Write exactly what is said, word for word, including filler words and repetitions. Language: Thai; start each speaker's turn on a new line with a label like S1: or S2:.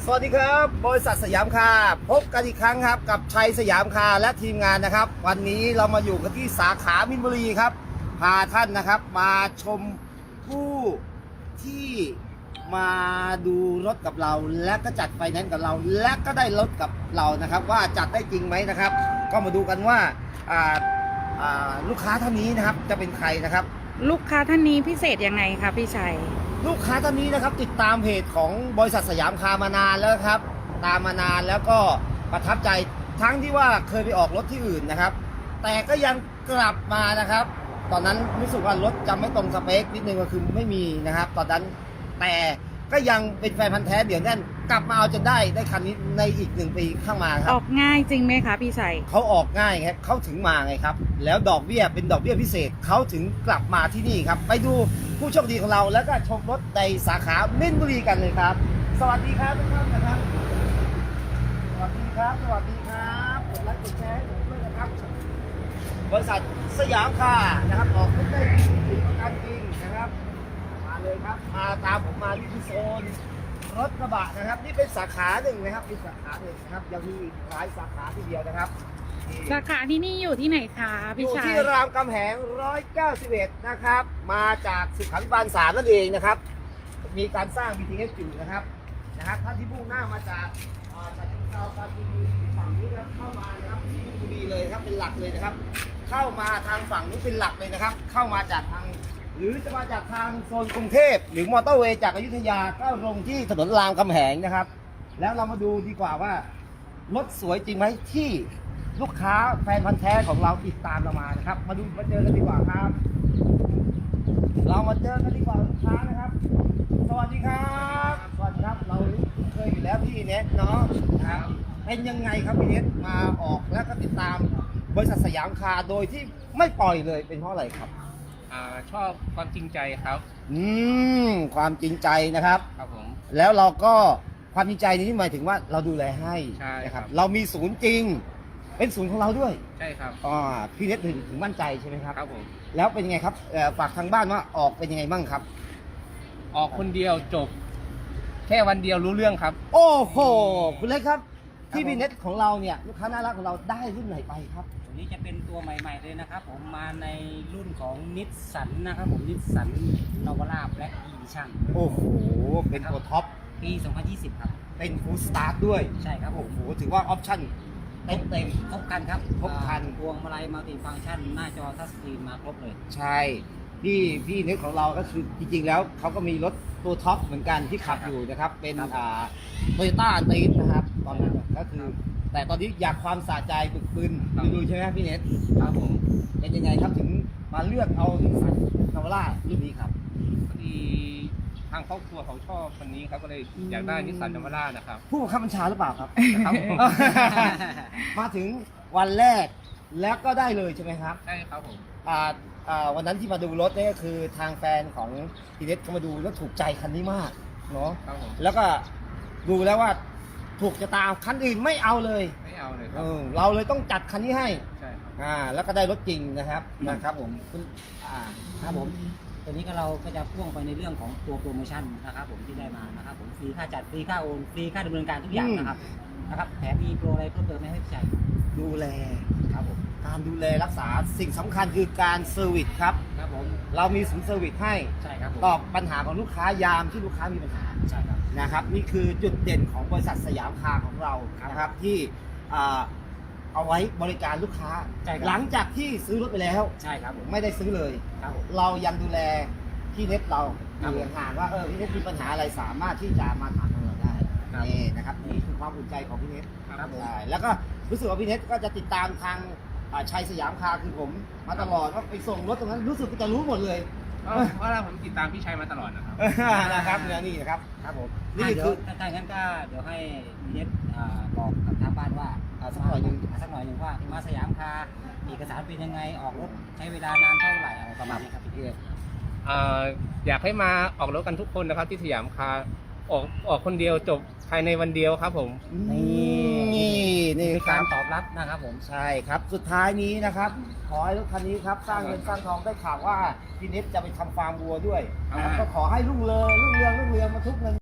S1: สวัสดีครับบริษัทสยามคาร์พบกันอีกครั้งครับกับชัยสยามคาร์และทีมงานนะครับวันนี้เรามาอยู่กันที่สาขามินบุรีครับพาท่านนะครับมาชมผู้ที่มาดูรถกับเราและก็จัดไฟแนนซ์กับเราและก็ได้รถกับเรานะครับว่าจัดได้จริงไหมนะครับก็มาดูกันว่าอ่าอ่าลูกค้าท่านนี้นะครับจะเป็นใครนะครับ
S2: ลูกค้าท่านนี้พิเศษยังไงคะพี่ชัย
S1: ลูกค้าท่านนี้นะครับติดตามเพจของบริษัทสยามคาร์มานานแล้วครับตามมานานแล้วก็ประทับใจทั้งที่ว่าเคยไปออกรถที่อื่นนะครับแต่ก็ยังกลับมานะครับตอนนั้นรู้สึกว่ารถจะไม่ตรงสเปคนิดนึงก็คือไม่มีนะครับตอนนั้นแต่ก็ยังเป็นแฟนพันธ์แท้เดี๋ยวแน่นกลับมาเอาจนได้ได้คันนี้ในอีกหนึ่งปีข้างมาครับ
S2: ออกง่ายจริงไหมคะพี่ชัย
S1: เขาออกง่ายครับเขาถึงมาไงครับแล้วดอกเบี้ยเป็นดอกเบี้ยพิเศษเขาถึงกลับมาที่นี่ครับไปดูผู้โชคดีของเราแล้วก็ชมรถในสาขามินบุรีกันเลยครับสวัสดีครับทุกท่านนะครับสวัสดีครับสวัสดีครับกดไลค์กดแชร์ให้ผมด้วยนะครับบริษัทสยามคาร์นะครับออกรถได้จริงประกันจริงนะครับมาเลยครับมาตามผมมาที่โซนรถกระบะนะครับนี่เป็นสาขาหนึ่งนะครับเป็นสาขาหนึ่งนะครับยังมีหลายสาขาทีเดียวนะครับ
S2: สาขาที่นี่อยู่ที่ไหนคะพี่ชัย
S1: อยู่ที่รามคำแหงหนึ่งร้อยเก้าสิบเอ็ดนะครับมาจากสุขาภิบาลสามนั่นเองนะครับมีการสร้าง บี ที เอส อยู่นะครับนะครับท่านที่มุ่งหน้ามาจากจากที่เราปาจีนฝั่งนี้นะครับเข้ามานะครับที่มินบุรีเลยครับเป็นหลักเลยนะครับเข้ามาทางฝั่งนี้เป็นหลักเลยนะครับเข้ามาจากทางหรือจะมาจากทางโซนกรุงเทพหรือมอเตอร์เวย์จากอยุธยาก็ลงที่ถนนรามคำแหงนะครับแล้วเรามาดูดีกว่าว่ารถสวยจริงไหมที่ลูกค้าแฟนพันธ์แท้ของเราติดตามเรามานะครับมาดูมาเจอกันดีกว่าครับเรามาเจอกันดีกว่าลูกค้านะครับสวัสดีครับสวัสดีครับเราเคยอยู่แล้วพี่เน็ตเนาะนะครับเป็นยังไงครับพี่เน็ตมาออกแล้วก็ติดตามบริษัทสยามคาร์โดยที่ไม่ปล่อยเลยเป็นเพราะอะไรครับ
S3: อ่าชอบความจริงใจครับ
S1: อืมความจริงใจนะครับ
S3: ครับผม
S1: แล้วเราก็ความจริงใจนี้หมายถึงว่าเราดูแลให้
S3: ใช่
S1: นะครับเรามีศูนย์จริงเป็นศูนย์ของเราด้วย
S3: ใช่ครับ
S1: อ่าพี่เน็ตถึงถึงมั่นใจใช่ไหมครับ
S3: ครับผม
S1: แล้วเป็นยังไงครับฝากทางบ้านว่าออกเป็นยังไงบ้างครับ
S3: ออกคนเดียวจบแค่วันเดียวรู้เรื่องครับ
S1: โอ้โหคุณเล็กครับที่พี่เน็ตของเราเนี่ยลูกค้าน่ารักของเราได้รุ่นไหนไปครับ
S4: ตัวนี้จะเป็นตัวใหม่ๆเลยนะครับผมมาในรุ่นของนิสสันนะครับผมนิสสันนาวาร่าแบล็กอีดิชั่น
S1: โอ้โหเป็นตัวท็อป
S4: ปีสองพันยี่สิบครับ
S1: เป็นฟูลสตาร์ทด้วย
S4: ใช่ครับ
S1: โอ้โหถือว่าออปชั่นเต็มเต็ม
S4: ครบคันครับ
S1: ครบคัน
S4: พวงมาลัยมัลติฟังก์ชันหน้าจอทัชสกรีนมาครบเลย
S1: ใช่พี่พี่เน็ตของเราก็คือจริงๆแล้วเขาก็มีรถตัวท็อปเหมือนกันที่ขับอยู่นะครับเป็นอ่าโตโยต้าตีสนะครับตอนนั้นก็คือแต่ตอนนี้อยากความสะใจบึกบึนดูใช่ไหมพี่เน็ต
S3: ครับผม
S1: เป็นยังไงครับถึงมาเลือกเอานิสสันนาวาร่ารุ่นนี้ครับ
S3: พอดีทางครอบครัวเขาชอบคนนี้ครับก็เลยอยากได้นิสสันนาวาร่านะครับ
S1: ผู้บังคับบัญชาหรือเปล่าครับ
S3: ครับ
S1: มาถึงวันแรกแล้วก็ได้เลยใช่ไหมครับ
S3: ใช่ครับผม
S1: อ่าอ่าวันนั้นที่มาดูรถนี่ก็คือทางแฟนของพี่เน็ตเขามาดูแล้วถูกใจคันนี้มากเนาะแล้วก็ดูแล้วว่าถูกจะตามคันอื่นไม่เอาเลย
S3: ไม่เอาเลยค
S1: รั
S3: บ
S1: เราเลยต้องจัดคันนี้ให้
S3: ใช่ครับ
S1: อ่าแล้วก็ได้รถจริงนะครับนะครับผมคุณ
S4: อ่าครับผมตัวนี้ก็เราก็จะพ่วงไปในเรื่องของตัวโปรโมชั่นนะครับผมที่ได้มานะครับผมฟรีค่าจัดฟรีค่าโอนฟรีค่าดำเนินการทุกอย่างนะครับนะครับแถมมีโปรอะไรเพิ่มเติมไม่ให้ใจ
S1: ดูแล
S4: ครับผม
S1: การดูแลรักษาสิ่งสำคัญคือการเซอร์วิสครับ
S4: ครับผม
S1: เรามีศูนย์เซอร์วิสให้
S4: ใช่ครับ
S1: ตอบปัญหาของลูกค้ายามที่ลูกค้ามีปัญหา
S4: ใช่ครับ
S1: นะครับนี่คือจุดเด่นของบริษัทสยามคาร์ของเรานะครับที่เอาไว้บริการลูกค้าหลังจากที่ซื้อรถไปแล้ว
S4: ใช่ครับผม
S1: ไม่ได้ซื้อเลยเรายังดูแลพี่เน็ตเราอยู่ห่างว่าเออพี่เน็ตมีปัญหาอะไรสามารถที่จะมาถามเราได้นี่นะครับนี่คือความอุ่นใจของพี่เน็ตได้แล้วก็รู้สึกว่าพี่เน็ตก็จะติดตามทางชัยสยามคาร์คือผมมาตลอดว่าไปส่งรถตรงนั้นรู้สึกจะรู้หมดเลย
S3: เพราะว่าผมติดตามพี่ชัยมาตลอดนะครับ
S1: นะครับเนี่ยนี่นะครับ
S4: ครับผมนี่คือถ้างั้นก็เดี๋ยวให้พี่เน็ตบอกกับทางบ้านว่า
S1: สักหน่อยหนึ่ง
S4: สักหน่อยหนึ่งว่ามาสยามคาร์เอกสารเป็นยังไงออกรถใช้เวลานานเท่าไหร่อะไรประมาณนี้ครับพี่เน็ต
S3: อยากให้มาออกรถกันทุกคนนะครับที่สยามคาร์ออกออกคนเดียวจบภายในวันเดียวครับผม
S1: นี่นี่
S4: การตอบรับนะครับผม
S1: ใช่ครับสุดท้ายนี้นะครับขอให้รถคันนี้ครับสร้างเงินสร้างทองได้ข่าวว่าพี่เน็ตจะไปทำฟาร์มวัวด้วยก็ขอให้รุ่งเรืองรุ่งเรืองรุ่งเรืองมาทุกเงิน